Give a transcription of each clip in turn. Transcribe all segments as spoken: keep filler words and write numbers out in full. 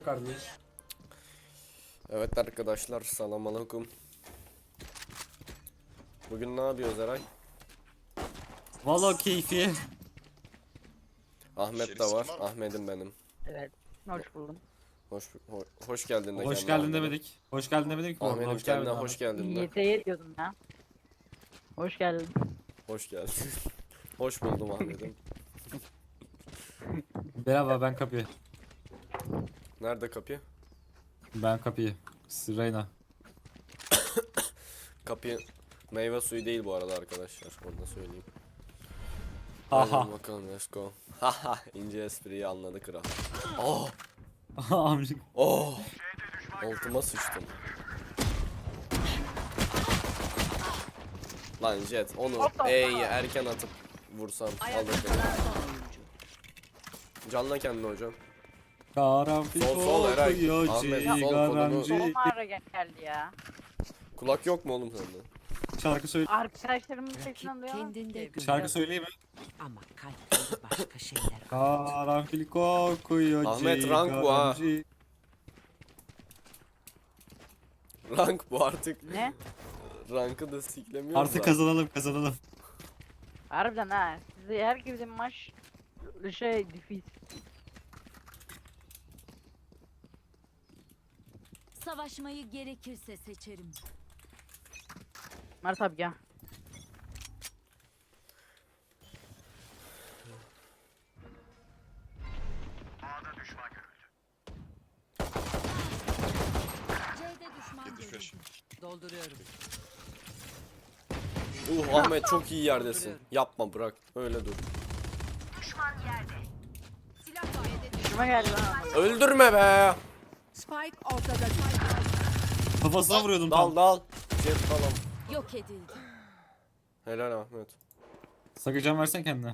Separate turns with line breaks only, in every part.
kardeş.
Evet arkadaşlar, selamünaleyküm. Bugün ne yapıyoruz Eray?
Valla keyfi.
Ahmet de var. Ahmet'im benim.
Evet. Hoş buldum.
Hoş ho- hoş geldin de
Hoş
kendine
geldin
Ahmet'im.
demedik. Hoş geldin demedik ki.
Ahmet'im
Hoş
kendine
geldin.
hoş geldin de.
Yiğit'e diyordum ya. Hoş geldin.
Hoş geldin. Hoş buldum Ahmet'im.
Merhaba, ben kapıyı.
Nerede kapı?
Ben kapıyı. Sırayla.
Kapı meyve suyu değil bu arada arkadaşlar. Onu da söyleyeyim.
Haha.
Hadi bakalım, let's go. Haha, ince espriyi anladı kral. Oh,
Amcık.
oh. Altıma sıçtım. Lan Jet onu E'yi erken atıp vursam alırdım. Canla kendini hocam.
Karanfil
Sol, sol, Eray.
kokuyor,
Ahmet, sol
cigaramcı.
Son ara geldi ya.
Kulak yok mu oğlum sende?
Şarkı söyle.
Arkadaşlarımın sesinden duyamam.
kendinde
ki.
gör.
Şarkı söyleyeyim mi?
Ama kalpleri başka şeyler.
Karanfil kokuyor,
Ahmet, rank bu ha.
cigaramcı.
Rank bu artık.
Ne?
Rankı da siklemiyoruz
Artık
da.
kazanalım kazanalım.
Harbiden ha. Sizi her girdiğim maç şey difiz.
Savaşmayı gerekirse seçerim.
Mert abi gel.
C'de düşman görüldü.
Dolduruyorum.
Uh Ahmet çok iyi yerdesin. Yapma, bırak. Öyle dur.
Şuma geldi lan.
Öldürme be.
Spike ortada.
Kafasına vuruyordum
Dal
tam.
dal. Jet falan.
Yok edildi.
Helal Ahmet.
Sakıcan versen kendine.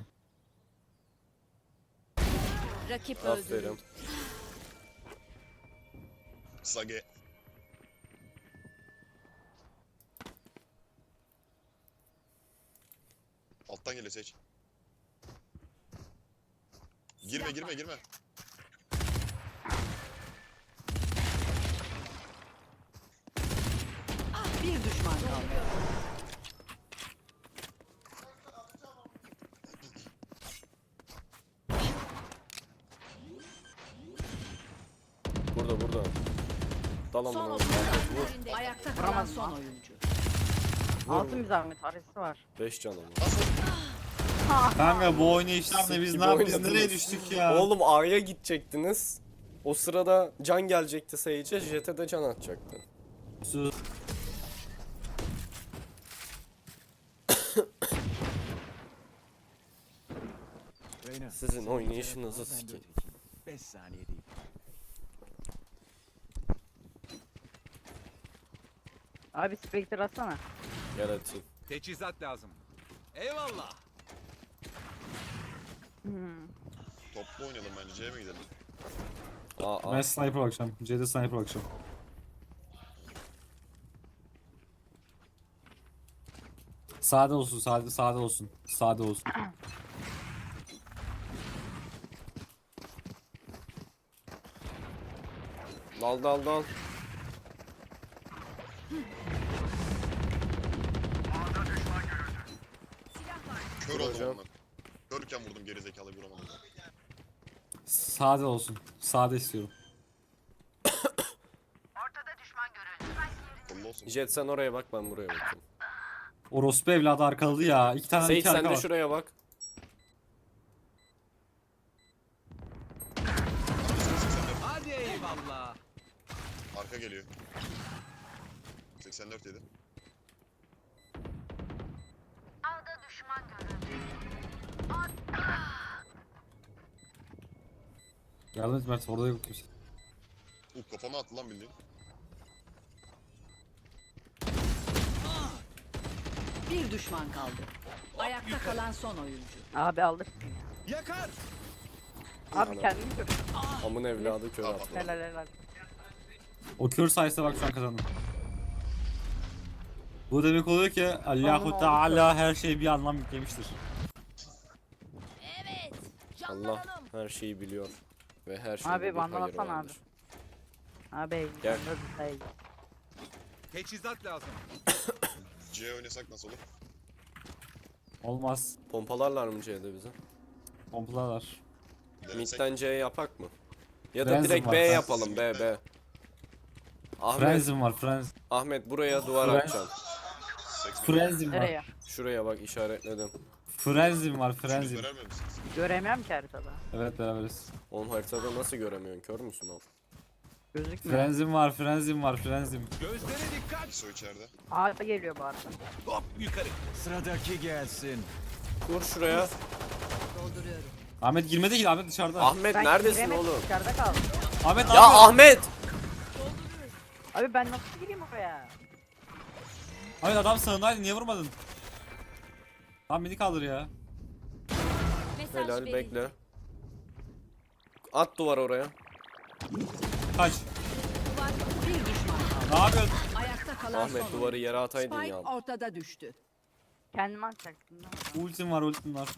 Rakip öldürüldü.
Aferin.
Sage. Alttan geliyor seç. Girme girme girme.
Bir düşman kaldı.
Burada burada. Dal
Son
amına.
otuz
Vur.
saniye.
Ayakta kalan son oyuncu.
Altın bir zahmet arası var.
beş canım.
Kanka bu oynayışlar ne, biz
Gibi
ne yapıyoruz,
oynadınız.
nereye düştük ya?
Oğlum A'ya gidecektiniz. O sırada can gelecekti Sage'e, Jet'e de can atacaktı.
Sus.
Sizin oynayışınızı sikeyim.
beş saniye değil.
Abi Spectre atsana.
Gel atayım.
Teçhizat lazım. Eyvallah.
Hmm.
Toplu oynayalım bence. C'ye mi gidelim?
A
Ben
A.
sniper bakacağım. C'de sniper bakacağım. Sade olsun, sade sade olsun. Sade olsun.
Dal dal dal.
Kör
Dur
oldum
hocam.
ondan. Körken vurdum gerizekalıyı vuramadım.
Sade olsun. Sade istiyorum.
Kollu olsun.
Jet sen oraya bak, ben buraya bakayım.
Orospu evladı arkaladı ya. İki tane
Sage
iki
sen
arka
de
var.
şuraya bak.
Hadi eyvallah.
Arka geliyor. seksen dört yedi.
Yardım et Mert, orada yok kimse.
Uh kafama attı lan bildiğin.
Bir düşman kaldı. Ayakta kalan son oyuncu.
Abi aldık.
Yakar.
Abi kendini gör.
Amın evladı kör atma.
Helal helal.
O kör sayesinde bak şu an kazandım. Bu demek oluyor ki Allahu
oldu
Teala her şeye bir anlam yüklemiştir.
Evet.
Allah
Canlanalım.
her şeyi biliyor ve her şeyi
Abi,
bir
bandana
hayır
atsana
vardır.
Abi
Gel.
Gel.
Teçhizat lazım.
C oynasak nasıl olur?
Olmaz.
Pompalarlar mı C'de bize?
Pompalarlar.
Denesek.
Mid'den C yapak mı? Ya da
Frenzy
direkt
var,
B
Frenzy.
yapalım B B. Ahmet,
Frenzim var frenz.
Ahmet buraya duvar
Frenzy.
atacaksın.
Seks mi?
Frenzim
Nereye?
var.
Şuraya bak işaretledim.
Frenzim var
Üçünüz
frenzim.
beraber misiniz?
Göremiyorum ki haritada.
Evet beraberiz.
Oğlum haritada nasıl göremiyorsun? Kör müsün oğlum?
Gözükmüyor.
Frenzim var frenzim var frenzim.
Gözlere dikkat.
İso içeride.
Abi geliyor bu arada.
Hop yukarı. Sıradaki gelsin.
Kur şuraya.
Dolduruyorum.
Ahmet girmedi ki Ahmet dışarıda.
Ahmet
Ben
neredesin
giremedim,
oğlum?
Dışarıda kaldım.
Ahmet ne
Ya
yapıyorsun?
Ahmet!
Abi ben nasıl gireyim oraya?
Ahmet adam sağındaydı niye vurmadın? Tamam beni kaldır ya.
Mesaj
Helal
verildi.
bekle. At duvar oraya.
Kaç.
Bir düşman kaldı.
Ne yapıyorsun?
Ayakta kalan
Ahmet
son
duvarı yere ataydın
Spike
ya.
ortada düştü.
Kendimi atacaktım değil mi?
Ultim var ultim var.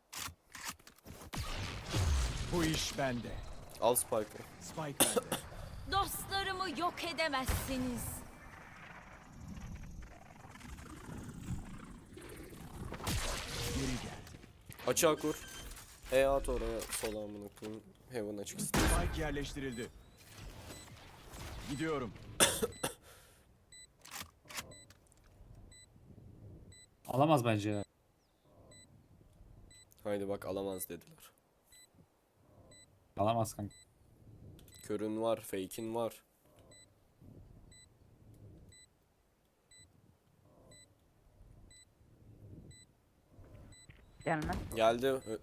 Bu iş bende.
Al Spike'ı.
Spike bende.
Dostlarımı yok edemezsiniz.
Geri gel.
Açığa kur. E at oraya sola amına koyayım. Heaven açık istedim.
Spike yerleştirildi. Gidiyorum.
Alamaz bence ya.
Haydi bak alamaz dediler.
Alamaz kanka.
Körün var, fake'in var.
Gelmez.
Geldi. Ö-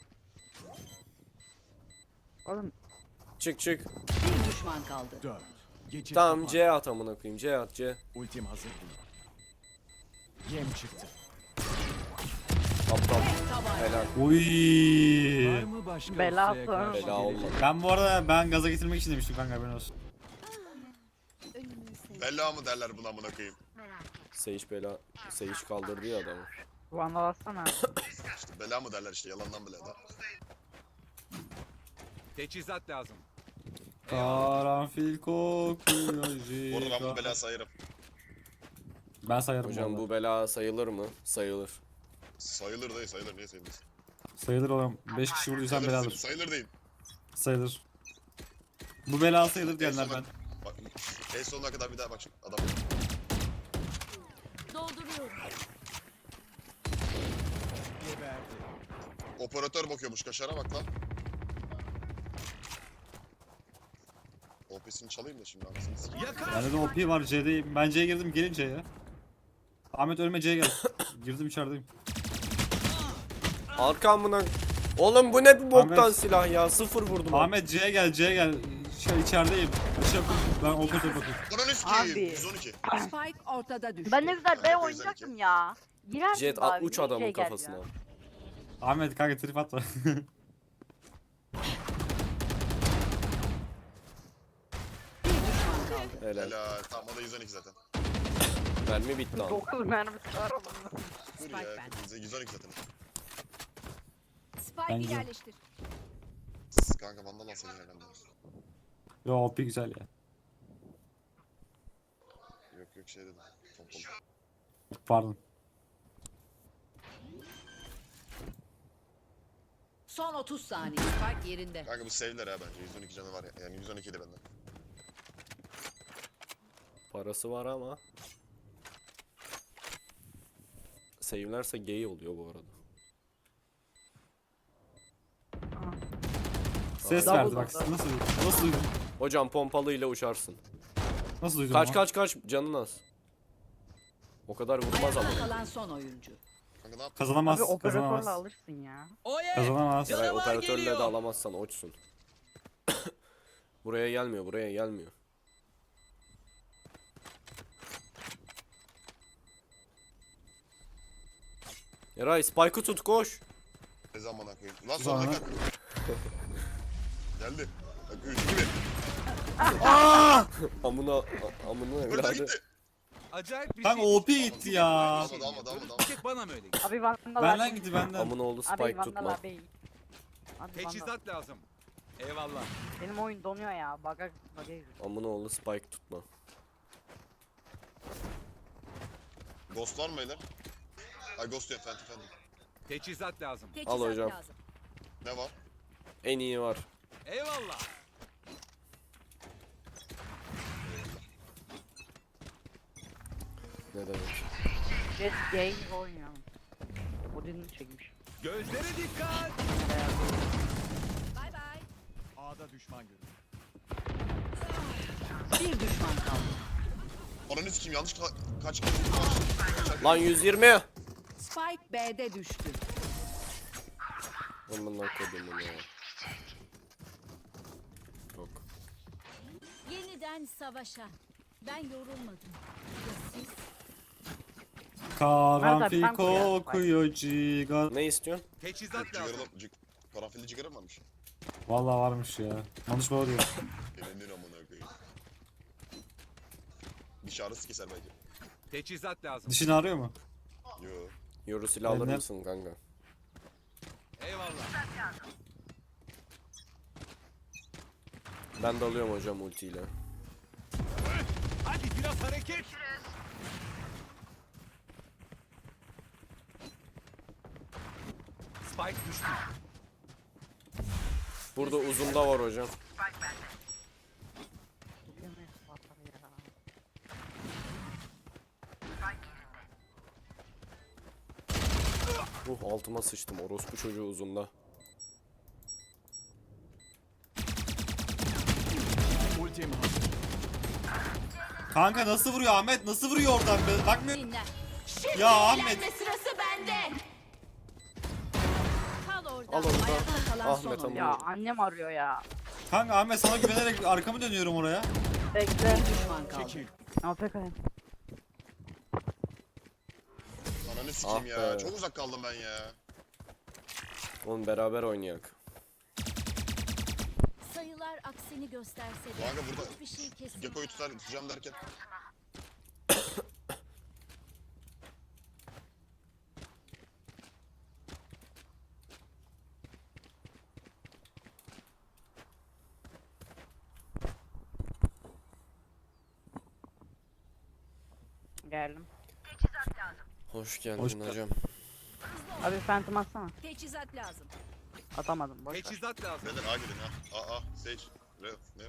Oğlum
Çık çık.
Bir düşman kaldı.
Dört. Geçit
Tamam
kapan.
C at amına koyayım. C at C.
Ultim hazır değil. Yem çıktı.
Aptal. Helal.
Uy.
Var mı başka
Bela
ustaya
sonra.
karşı
Bela
gelecek?
olmadı.
Ben bu arada ben gaza getirmek için demiştim kanka haberin olsun.
Bella mı derler buna amına koyayım?
Sage bela. Sage kaldırdı ya adamı.
vandal atsana.
İşte bela mı derler işte yalandan bela da.
Teçhizat lazım.
Karanfil kokuyor.
Bu arada ben bunu bela sayarım.
Ben sayarım
Hocam
vallahi.
bu bela sayılır mı? Sayılır.
Sayılır dayı sayılır niye sayılmaz?
Sayılır oğlum. beş kişi vurduysan
Sayılır,
beladır.
sayılır değil.
Sayılır. Bu bela sayılır
En
diyenler
sonuna-
ben.
Bak en sonuna kadar bir daha bak şimdi adam.
Dolduruyorum.
Geberdi.
Operatör bakıyormuş kaşara bak lan. O P'sini çalayım da şimdi anasını sikeyim.
Yakar.
Bende de O P var C'deyim. Ben C'ye girdim gelin C'ye. Ahmet ölme C'ye gel. Girdim içerideyim.
Arka amına. Oğlum bu ne bu boktan
Ahmet.
silah ya. Sıfır vurdum.
Ahmet C'ye gel C'ye gel. Şey, içerideyim. Işık ben operatör bakıyorum.
Ananı sikeyim.
Abi.
yüz on iki.
Spike ortada düştü.
Ben ne güzel B
Aynen,
oynayacaktım ya. Girer
Jet
abi,
at uç
niye
adamın
şey geldi
kafasına.
ya?
Ahmet kanka trip atma.
Bir düşman kaldı.
Helal.
Helal. Tamam o da yüz on iki zaten.
Mermi bitti lan.
dokuz mermisi var onun.
Dur
Spike
ya.
bende.
yüz on iki zaten.
Spike'ı
Bence.
yerleştir.
Kanka vandal alsana herhalde.
Yo O P güzel ya.
Yok yok şey dedim. Pompalı.
Pardon.
Son otuz saniye. Spike yerinde.
Kanka bu save'ler ha bence. yüz on iki canı var ya. Yani yüz on iki de benden.
Parası var ama. Save'lerse gay oluyor bu arada.
Ses
Double
verdi bak. Nasıl duydun? Nasıl duydun?
Hocam pompalıyla uçarsın.
Nasıl duydun?
Kaç
ama?
kaç kaç canın az. O kadar vurmaz ama.
Ayakta kalan son oyuncu.
Kanka ne yaptın?
Kazanamaz.
Abi operatörle
Kazanamaz.
alırsın ya.
Kazanamaz.
Eray operatörle de alamazsan oçsun. Buraya gelmiyor, buraya gelmiyor. Eray Spike'ı tut koş.
Ne zaman koyayım? Ulan
Sonra-
sonra kanka. Geldi. Bak üç iki bir.
Amına a- amına
Öldü
evladı.
gitti.
Acayip bir
Kanka
şey.
O P gitti ya.
Almadı almadı almadı
Bir
almadı.
tek bana mı öyle geliyor?
Abi vandal
Benden
abi.
gitti benden.
Amına oğlu
Abi
Spike
vandal
tutma.
abi. Abi vandal.
Teçhizat lazım. Eyvallah.
Benim oyun donuyor ya. Baga baga giriyor.
Amına oğlu spike tutma.
Ghost var mı beyler? Ay Ghost diyor Phantom Phantom.
Teçhizat lazım.
Teçhizat
hocam.
lazım.
Ne var?
En iyi var.
Eyvallah.
Ne demek?
Jet game oynuyor. Odin'i çekmiş.
Gözlere dikkat.
Bay bay.
A'da düşman görüldü.
Bir düşman kaldı.
Ananı sikeyim yanlış ka- kaç kere vurdum kaç.
Lan yüz yirmi.
Spike B'de düştü.
Amına kodumun ya. Yok.
Yeniden savaşa. Ben yorulmadım. Ya siz?
Karanfil
Nerede? Ben koyarım.
kokuyor ciga.
Ne istiyorsun?
Teçhizat lazım.
Cigaralı, cig karanfilli cigara mı varmış?
Vallahi varmış ya. Yanlış bana diyor.
Elenir amına koyayım. Diş ağrısı keser belki.
Teçhizat lazım.
Dişin ağrıyor mu?
Yo.
Yoru silah alır
Benden-
mısın kanka?
Eyvallah.
Ben de alıyorum hocam ultiyle.
Hadi biraz hareket. Spike düştü.
Burada uzunda var hocam. Uh altıma sıçtım orospu çocuğu uzunda.
Ultim hazır.
Kanka nasıl vuruyor Ahmet? Nasıl vuruyor oradan be? Bakmıyor.
Dinle.
Ya Ahmet.
Sırası bende. Kal orada.
Al onu da.
Ayakta kalan son
Ahmet
oyuncu.
Ya
amına.
annem arıyor ya.
Kanka Ahmet sana güvenerek arkamı dönüyorum oraya.
Bekle.
Bir düşman kaldı.
Çekil.
A F K'yim.
Ananı sikeyim
Ah
ya.
be.
Çok uzak kaldım ben ya.
Oğlum beraber oynayak.
Sayılar aksini gösterse de
Kanka burada
hiçbir şey kesin.
Gekko'yu tutar tutacağım derken.
Geldim.
Hoş geldin
Hoş-
hocam.
Abi Phantom atsana.
Teçhizat lazım.
Atamadım boş ver.
Teçhizat lazım.
Beyler A gidin ha. A A. Sage. Real. Ne?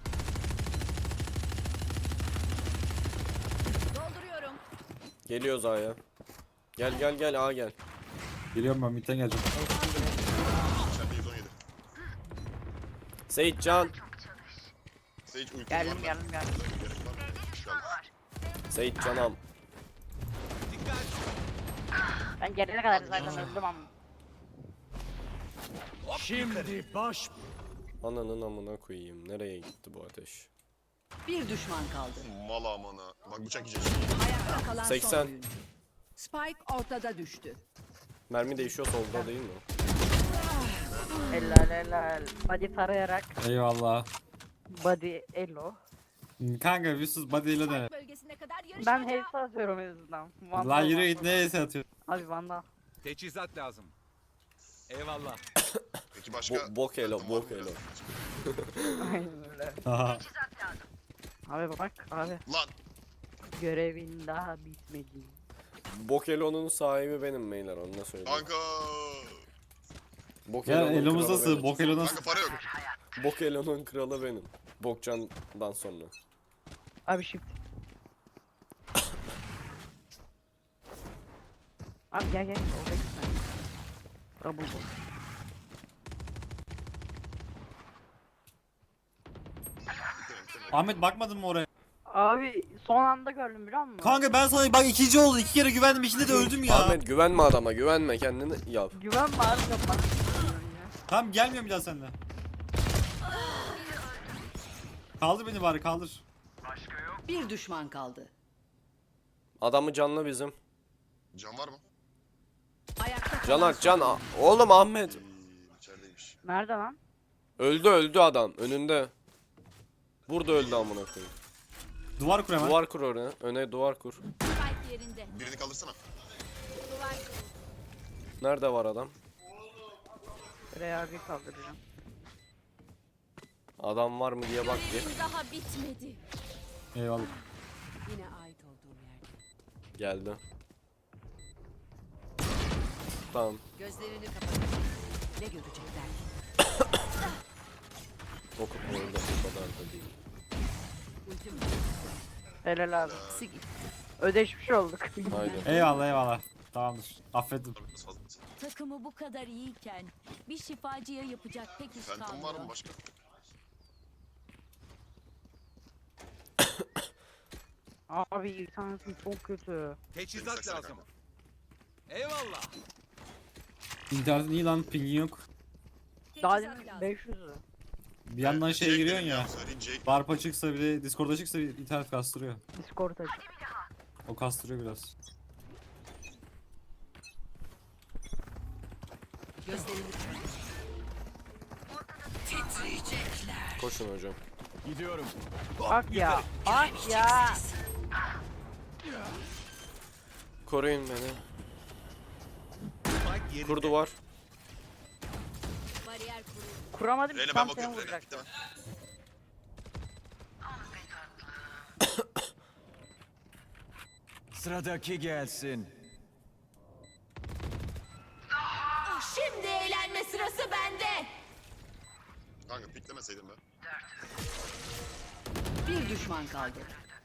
Dolduruyorum.
Geliyoruz A'ya. Gel gel gel A gel.
Geliyorum ben midden geleceğim.
İçeride yüz on yedi.
Seyit Can.
Sage ulti var
Geldim
mı?
geldim geldim.
Gerek var mı? Geldi.
Seyit Canam.
Dikkat.
Ben gelene kadar zaten öldüm ama.
Şimdi baş.
Ananın amına koyayım. Nereye gitti bu ateş?
Bir düşman kaldı.
Mal amına. Bak bıçak yiyecek.
Ayakta kalan son
seksen.
oyuncu. Spike ortada düştü.
Mermi değişiyor solda değil mi?
Helal helal. Body tarayarak.
Eyvallah.
Body elo.
Kanka bir sus body ile de.
Bölgesine kadar yarışmaca.
Ben hepsi atıyorum en azından. Vandal,
Lan yürü git
vandal.
neyse atıyor.
Abi Vandal.
Teçhizat lazım. Eyvallah.
Peki başka?
Bo bok elo,
Tamam,
bok elo.
Aynen öyle.
Haha.
Abi bak abi.
Lan.
Görevin daha bitmedi.
Bok elo'nun sahibi benim beyler onu da söyleyeyim.
Kanka.
Bok
Ya
elo'nun
elimiz
kralı
nasıl?
benim.
Bok elo nasıl?
Kanka para yok.
Bok elo'nun kralı benim. Bokcan'dan sonra.
Abi shift. Abi gel gel. Oraya gitme. Double ball.
Ahmet bakmadın mı oraya?
Abi son anda gördüm biliyor musun?
Kanka ben sana bak ikinci oldu. İki kere güvendim. İkinde de öldüm ya.
Ahmet güvenme adama güvenme kendini yap.
Güvenme abi yapma.
Tamam gelmiyorum bir daha seninle. Kaldır beni bari kaldır.
Bir düşman kaldı.
Adamı canlı bizim.
Can var mı?
Ayakta kalan
Canak
son
can.
oyuncu.
Oğlum Ahmet.
İyi, içerideymiş.
Nerede lan?
Öldü öldü adam önünde. Burada öldü amına koyayım.
Duvar kur hemen.
Duvar kur öne. Öne duvar kur.
Spike yerinde.
Birini kaldırsana.
Duvar.
Nerede var adam?
Buraya abi kaldıracağım.
Adam var mı diye bak bir.
Görevim daha bitmedi.
Eyvallah.
Yine ait olduğum yerde.
Geldi. Tamam.
Gözlerini kapatın. Ne görecekler?
Okup orada o kadar da değil.
Ultim
Helal abi.
ikisi gitti.
Ödeşmiş olduk.
Aynen.
Eyvallah eyvallah. Tamamdır. Affettim.
Biraz fazla.
Takımı bu kadar iyiyken bir şifacıya yapacak pek iş
Phantom var mı
kalmıyor.
başka?
Abi internetim çok kötü.
Teçhizat
Teçhizat
lazım.
lazım. Eyvallah.
İnternetin iyi lan, pingin yok.
Daha
Teçhizat
demin
lazım.
beş yüzü.
Bir yandan
Evet,
şeye
Jake
giriyorsun
dedim
ya.
Söyleyeyim Jake.
Barp açıksa bir de Discord açıksa bir internet kastırıyor.
Discord aç.
O kastırıyor biraz.
Gözlerini kapatın. Titriyecekler.
Koşun hocam.
Gidiyorum.
Bak ya. Bak ya.
Koruyun beni.
Spike yerinde.
Kurdu var.
Bariyer kuruldu.
Kuramadım.
Reyna ben
Tam seni
bakıyorum Reyna.
vuracaktım.
Bitti mi?
Sıradaki gelsin.
Şimdi eğlenme sırası bende.
Kanka piklemeseydin be.
Bir düşman kaldı.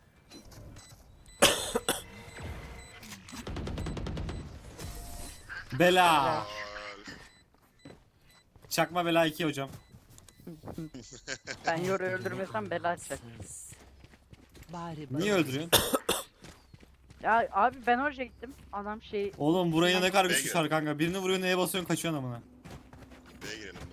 Bela.
Aa,
Çakma bela iki hocam.
Ben yoru öldürmesem bela açacak.
Bari
Niye öldürüyorsun?
Ya abi ben oraya gittim. Adam şey
Oğlum buraya ne kadar
B'ye
güçlü
gir.
var kanka. Birini vuruyor, neye basıyorsun, kaçıyorsun amına.
B'ye girelim be.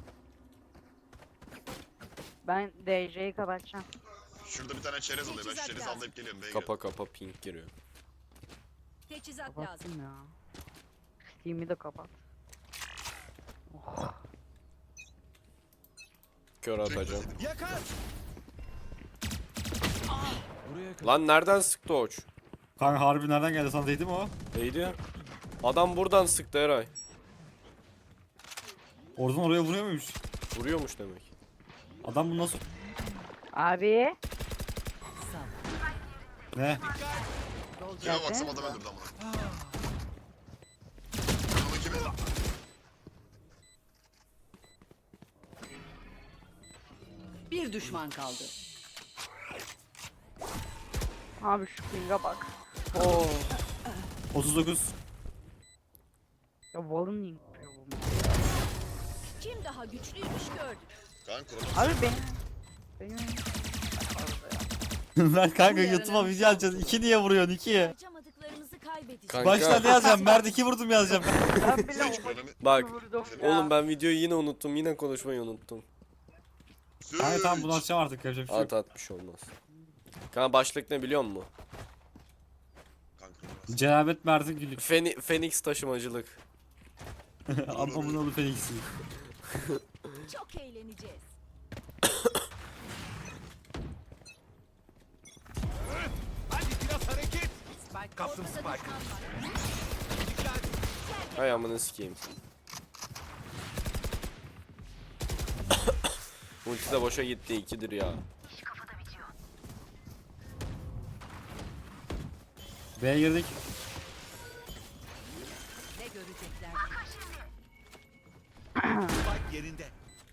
ben D J'yi kapatacağım.
Şurada bir tane çerez oluyor. Ben şu
Teçhizat
çerezi
lazım.
anlayıp geliyorum. B'ye girelim.
Kapa kapa pink giriyor.
Teçhizat lazım.
Kapattım ya. Steam'i de kapat. Oh.
Kör atacağım.
Yakar. Buraya kadar.
Lan nereden sıktı Oç?
Kanka harbi nereden geldi, sana değdi mi o?
Neydi ya? Adam buradan sıktı Eray.
Oradan oraya vuruyor muymuş?
Vuruyormuş demek.
Adam bunu nasıl...
Abi.
Ne?
Kime baksam adam öldürdü amına. Ama kimi?
Bir düşman kaldı.
Abi şu ping'e bak.
Oo.
otuz dokuz.
Ya Wall'un niye yapıyor bu?
Kim daha güçlüymüş gördük.
Kanka Kronos.
Abi benim... Benim...
Ben kanka
Bu yarına
YouTube'a
bir
video atacağız. iki niye vuruyorsun, ikiye?
Harcamadıklarımızı kaybedeceğiz.
Kanka.
Başta ne yazacağım? Mert iki vurdum yazacağım.
Ben bile
Sage
o
kronomi.
Bak.
vurdum ya.
Oğlum ben videoyu yine unuttum. Yine konuşmayı unuttum.
Kanka tamam bunu atacağım artık, yapacak bir şey yok.
At atmış olmaz. Kanka başlık ne biliyor musun?
Kanka Kronos.
Cenabet Mert'in gülük.
Feni Phoenix taşımacılık.
Amına oğlu Felix'i.
Çok eğleneceğiz.
Hadi biraz hareket.
Spike
Kaptım
Ortada
Spike.
düşman var.
Hay amına sikeyim. Ulti de boşa gitti, ikidir ya.
B'ye girdik.
ne görecekler?
Spike yerinde.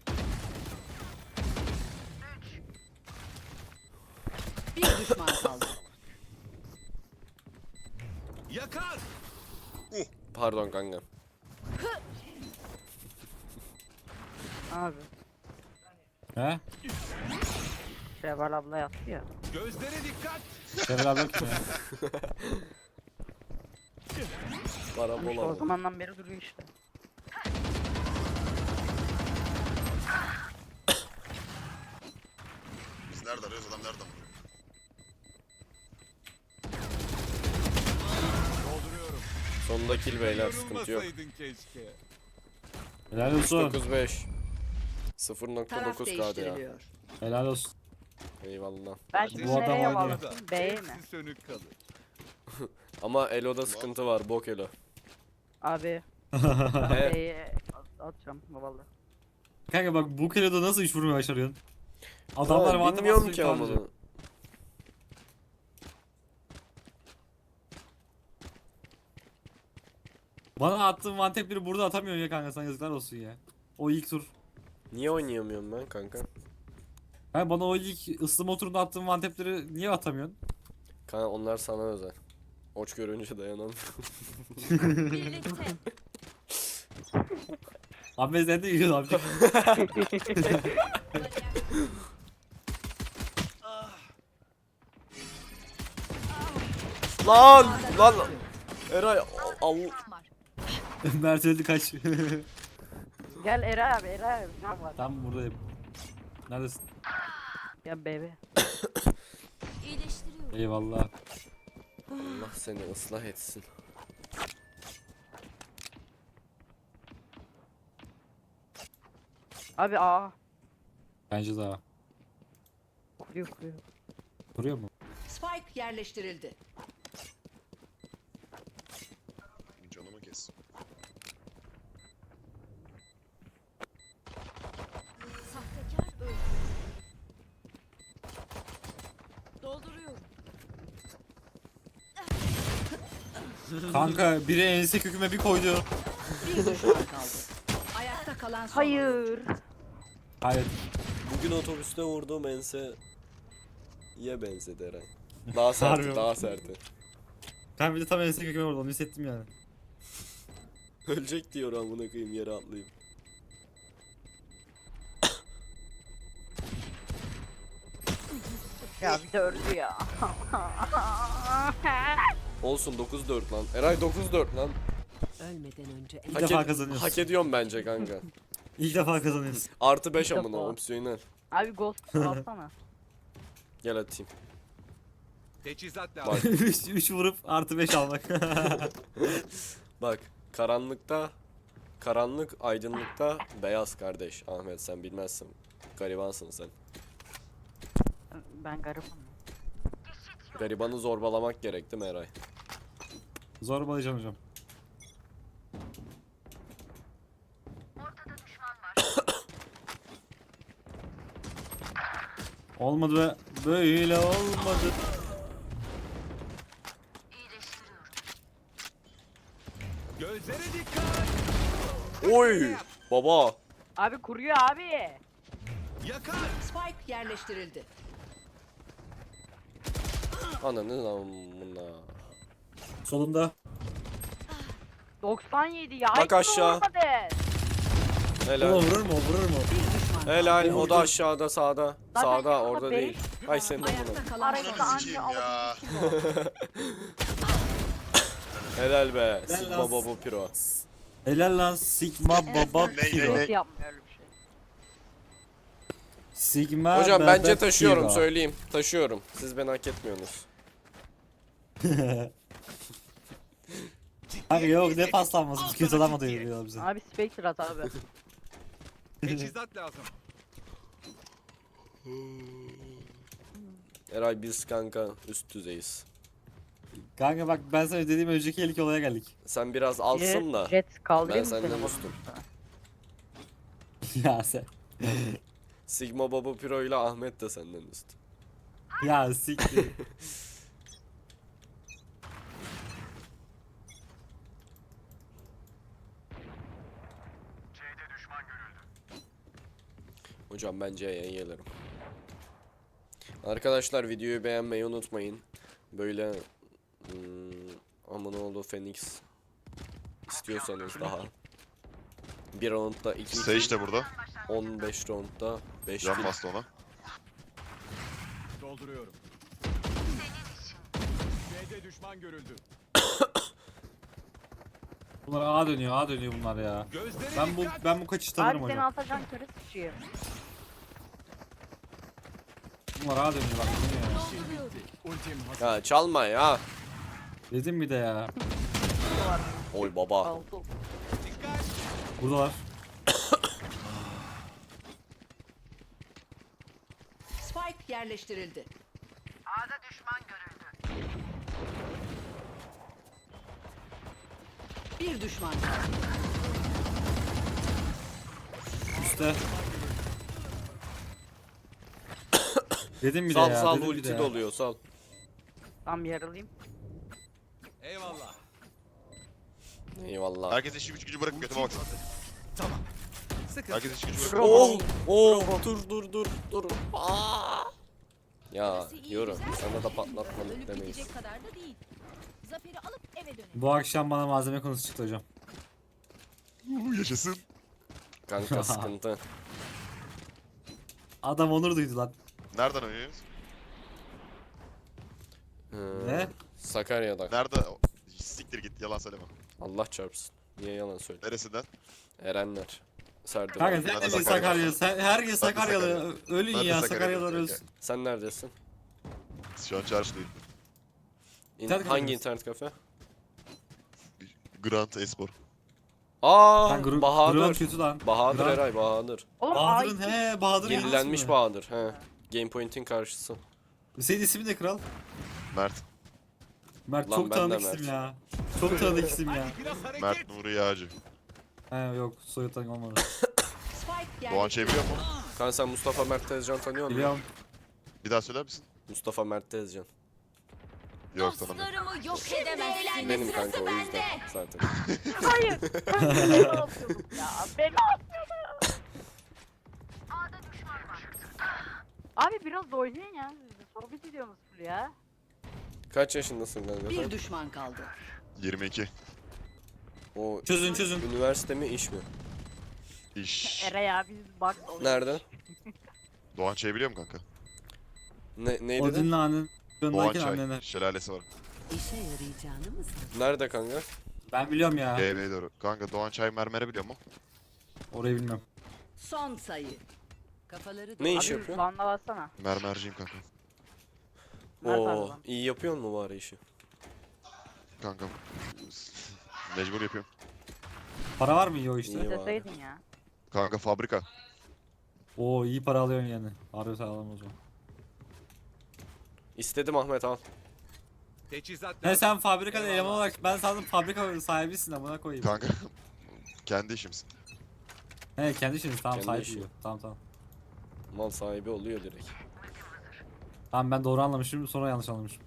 Bir düşman kaldı.
Yakar.
Pardon kanka.
Abi.
He?
Şevval abla yaptı ya.
Gözlere dikkat.
Şevval abla kim ya?
Parabola
İşte o
mı?
zamandan beri duruyor işte.
Biz nerede arıyoruz, adam nerede amına?
Dolduruyorum.
Sonunda kill beyler, sıkıntı yok.
Yorulmasaydın keşke.
Helal olsun.
dokuz beş. sıfır nokta
Taraf
dokuz K ya.
değiştiriliyor.
Helal olsun.
Eyvallah.
Ben
Ateş
şimdi
Bu adam
nereye
oynuyor.
bağlasın? B'ye mi?
Hepsi sönük kalır.
Ama Elo'da sıkıntı var, bok Elo.
Abi.
He,
B'ye at- atacağım valla.
Kanka bak bu kiloda nasıl üç vurmayı başarıyorsun? Adamlar
Ha,
vantep
bilmiyorum
bastı
ki
yukarıda.
amına.
Bana attığın vantepleri burada atamıyorsun ya kanka, sana yazıklar olsun ya. O ilk tur.
Niye oynayamıyorum ben kanka?
Ben bana o ilk ıslama turunda attığın vantepleri niye atamıyorsun?
Kanka onlar sana özel. Oç görünce dayanamıyorum.
Birlikte.
Abi sen de yiyorsun abi.
Lan! Lan! Eray al.
Mert öldü kaç.
Gel Eray abi, Eray abi. Ne var?
Tam buradayım. Neredesin?
Ya bebe.
İyileştiriyorum.
Eyvallah.
Allah seni ıslah etsin.
Abi aa.
Bence daha.
Kuruyor kuruyor.
Vuruyor mu?
Spike yerleştirildi.
Canımı kes.
Sahtekar öldü. Dolduruyorum.
Kanka biri ense köküme bir koydu.
Bir düşman kaldı. Ayakta kalan son oyuncu.
Hayır.
Hayır.
Bugün otobüste vurduğum ense ye benzedi Eray. Daha sert,
Harbi mi?
daha sert.
Ben bir de tam ense köküme vurdu, onu hissettim yani.
Ölecek diyor amına koyayım yere atlayıp.
Ya bir de öldü ya.
Olsun dokuz dört lan. Eray dokuz dört lan.
Ölmeden önce
İlk
Hak,
defa
ed-
kazanıyoruz.
hak ediyorum bence kanka.
İlk defa kazanıyoruz.
Artı beş
İlk
amına
defa.
opsiyonel.
Abi ghost alsana.
Gel atayım.
Teçhizat
Bak
lazım.
üç vurup artı beş almak.
bak karanlıkta karanlık aydınlıkta beyaz kardeş. Ahmet sen bilmezsin. Garibansın sen.
Ben garipim.
Garibanı zorbalamak gerek değil mi Eray?
Zorbalayacağım hocam. Olmadı be. Böyle olmadı.
Gözlere dikkat.
Oy! Baba!
Abi kuruyor abi.
Yakar.
Spike yerleştirildi.
Ananın amına.
Solunda.
doksan yedi ya.
Bak
hiç
aşağı.
vurmadı.
O
Helal.
vurur mu? O vurur mu?
Bir düşman kaldı.
Helal. O da aşağıda sağda.
Zaten
Sağda
yanında
orada
beş
değil. Ay senin amına.
Ayakta kalan son
Arayıp da
Ananı
oyuncu.
sikeyim
anca
ya.
alabildim.
Helal be.
Helal
Sigma
lan.
Baba Piro.
Helal lan Sigma Baba
Ne, ne,
Piro.
ne?
Hiç yapmıyor öyle bir şey.
Sigma
Hocam
Baba
bence taşıyorum
Piro.
söyleyeyim. Taşıyorum. Siz beni hak etmiyorsunuz.
Kanka yok ne paslanması. Kötü adam da diyor bize.
Abi Spectre at abi.
Teçhizat lazım.
Eray biz kanka üst düzeyiz.
Kanka bak ben sana dediğim önceki ilk olaya geldik.
Sen biraz alsın da.
Jet kaldırayım
Ben
mı seni
senden
bunun
üstüm.
üstüne?
Ya sen.
Sigma Baba Piro ile Ahmet de senden üst.
Ya siktir.
Hocam bence yayın gelirim. Arkadaşlar videoyu beğenmeyi unutmayın. Böyle hmm, Amanoğlu Phoenix istiyorsanız daha. Bir roundda iki
Sage de burada.
on beş roundda beş
Can
kill.
bastı ona.
Dolduruyorum. B'de düşman görüldü.
Bunlar A dönüyor, A dönüyor bunlar ya.
Gözlere
Ben bu
dikkat.
ben bu kaçış
Abi
tanırım
seni
hocam.
atacağım karı sıçayım.
Bunlar A dönüyor bak dönüyor ya.
Ultim hazır.
Ya çalma ya.
Dedim bir de ya.
Oy baba.
Aldı.
Dikkat.
Buradalar.
Spike yerleştirildi. Bir düşman kaldı.
Üste. Dedim bir de
Sal
ya.
sal
dedim bir de
ulti
ya.
doluyor sal.
Tam yaralayayım.
Eyvallah.
Eyvallah.
Herkes işi güç gücü bırakıp götüme baksın.
Tamam. Sıkı.
Herkes işi gücü bırakıp.
Oh! Oh! Dur dur dur dur. Aa! Ya
Burası iyi,
yorum.
güzel.
Sana da patlatmadık
Ölüp
demeyiz.
gidecek kadar da değil. Zaferi alıp eve dönelim.
Bu akşam bana malzeme konusu çıktı hocam.
Uuu yaşasın.
Kanka sıkıntı.
Adam onur duydu lan.
Nereden oynuyoruz?
Hı,
Ne?
Sakarya'da.
Nerede? Siktir git yalan söyleme.
Allah çarpsın. Niye yalan söyle?
Neresinden?
Erenler. Serdar.
Kanka
abi.
sen
Ben
de
de
bir
Sakarya.
Sakarya. Sen, herkes
Ben de
Sakaryalı.
Sakarya.
Ölün
Ben de
ya
Sakarya
Sakaryalılar
kanka.
ölsün.
Sen neredesin?
Şu an çarşıdayım.
İn-
İnternet
hangi
kafesi.
internet kafe?
Grand Espor.
Aa
Sen gru-
Bahadır.
Grant kötü lan.
Bahadır
Grant-
Eray Bahadır.
Oğlum
Bahadır'ın
ay-
he Bahadır
Yenilenmiş
mi?
Bahadır. He. Game Point'in karşısı.
Senin ismin de kral.
Mert.
Mert
Lan
çok
ben de
tanıdık
Mert.
isim ya. Çok tanıdık isim ya.
Biraz hareket.
Mert Nuri Yağcı.
He yok soyu tanık olmadı.
Spike
Doğan şey biliyor mu?
Kanka sen Mustafa Mert Tezcan tanıyor musun?
Biliyorum.
Bir daha söyler misin?
Mustafa Mert Tezcan.
Yok tanımıyorum.
Dostlarımı yok edemezsiniz.
Benim kanka o yüzden zaten.
Hayır. Ben beni atıyordum ya. Beni atıyordum. Abi biraz da oynayın ya. Sohbet ediyorsunuz full ya.
Kaç yaşındasın kanka sen?
Bir düşman kaldı.
yirmi iki.
O
Çözün çözün.
üniversite mi iş mi?
İş.
Eray abi biz bak.
Nerede?
Doğan Çay biliyor musun kanka?
Ne, neydi?
Odin'le annen.
Doğan
Yanındayken
Çay.
annene.
Şelalesi var.
İşe yarayacağını mı sandın?
Nerede kanka?
Ben biliyorum ya.
G B'ye doğru. Kanka Doğan Çay mermere biliyor musun?
Orayı bilmem.
Son sayı. Kafaları
Ne iş
Abi
yapıyor?
Van'da bassana.
Mermerciyim kanka.
Mert abi
Oo,
lan.
iyi yapıyor mu bari işi?
Kanka. Mecbur yapıyorum.
Para var mı iyi o işte?
İyi. var.
Deseydin ya.
Kanka fabrika.
Oo iyi para alıyorsun yani. Harbi sağlam o zaman.
İstedim Ahmet al.
Teçhizat.
He sen fabrikada eleman olarak ben sandım fabrika sahibisin amına koyayım.
Kanka. Kendi işimiz.
He kendi işiniz tamam
Kendi
sahibi
işi.
diyor. Tamam tamam.
Mal sahibi oluyor direkt.
Tamam ben doğru anlamışım sonra yanlış anlamışım.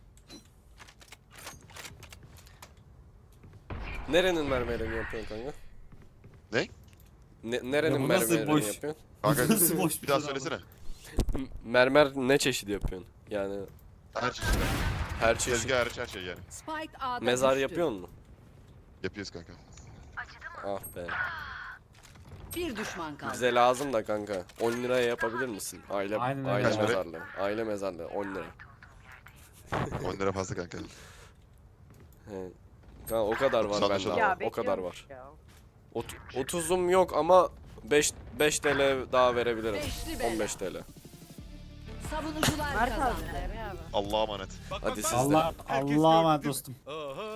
Nerenin mermerini yapıyorsun kanka?
Ne?
Ne, nerenin
Ya bu nasıl
mermerini
boş?
yapıyorsun?
Kanka
Nasıl boş
bir daha
soru ama?
söylesene.
M- Mermer ne çeşidi yapıyorsun? Yani
Her şey.
her çeşit.
Tezgah hariç her şey yani.
Spike A'da
Mezar
düştü.
yapıyor mu?
Yapıyoruz kanka.
Ah be.
Bir düşman kaldı.
Bize lazım da kanka. on liraya yapabilir misin? Aile
Aynen öyle.
aile
Kaç para?
mezarlığı. Aile mezarlığı on lira.
on lira fazla kanka.
He. Kanka o kadar var
Anlaşıldı.
bende.
Ya
ama, O kadar
bekliyormuş
var.
ya.
Ot- otuzum yok ama beş beş T L daha verebilirim.
Beşli bela.
on beş T L.
Savunucular
Mert abi.
kazandı.
Eray abi.
Allah'a emanet.
Bak,
Hadi
bak,
siz
bak.
de.
Allah
Herkes
Allah'a
gördü
emanet
değil mi?
dostum.
Aha.